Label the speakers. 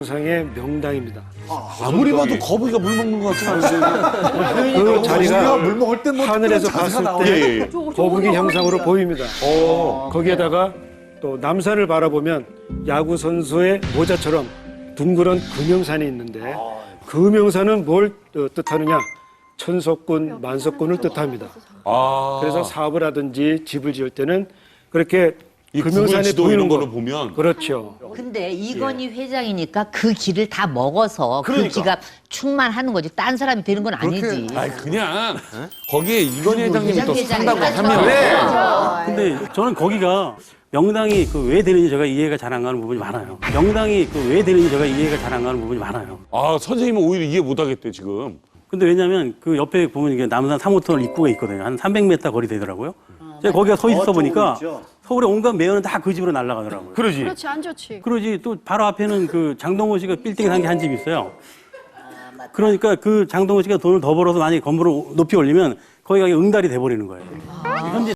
Speaker 1: 상의 명당입니다.
Speaker 2: 아무리 봐도 거북이가 물 먹는 것 같지 않아요?
Speaker 1: 그 자리가
Speaker 2: 물 먹을 때 뭐
Speaker 1: 하늘에서
Speaker 2: 특별한 자세가
Speaker 1: 봤을 때
Speaker 2: 나오네.
Speaker 1: 거북이 형상으로 보입니다. 거기에다가 또 남산을 바라보면 야구 선수의 모자처럼 둥그런 금영산이 있는데 금영산은 뭘 뜻하느냐? 천석군, 만석군을 뜻합니다. 그래서 사업을 하든지 집을 지을 때는 그렇게
Speaker 2: 이
Speaker 1: 금영산이
Speaker 2: 지도
Speaker 1: 보이는
Speaker 2: 이런 거를
Speaker 1: 거.
Speaker 2: 보면
Speaker 1: 그렇죠.
Speaker 3: 근데 이건희 회장이니까 그 길을 다 먹어서
Speaker 2: 그러니까.
Speaker 3: 그 기가 충만하는 거지. 딴 사람이 되는 건 아니지.
Speaker 2: 아니 그냥 거기에 이건희 회장님이 또
Speaker 3: 회장이
Speaker 2: 산다고
Speaker 3: 하면
Speaker 2: 하면
Speaker 4: 근데 저는 거기가 명당이 그 왜 되는지 제가 이해가 잘 안 가는 부분이 많아요. 명당이 그 왜 되는지 제가 이해가 잘 안 가는 부분이 많아요.
Speaker 2: 아 선생님은 오히려 이해 못하겠대 지금.
Speaker 4: 근데 왜냐면 그 옆에 보면 이게 남산 3호터널 입구가 있거든요. 한 300m 거리 되더라고요. 제가 거기가 서 있어 보니까 서울의 온갖 매연은 다 그 집으로 날아가더라고요.
Speaker 2: 그러지.
Speaker 5: 그렇지, 안 좋지.
Speaker 4: 그러지 또 바로 앞에는 그 장동건 씨가 빌딩에 산 게 한 집 있어요. 그러니까 그 장동건 씨가 돈을 더 벌어서 만약에 건물을 높이 올리면 거기가 응달이 돼버리는 거예요. 현재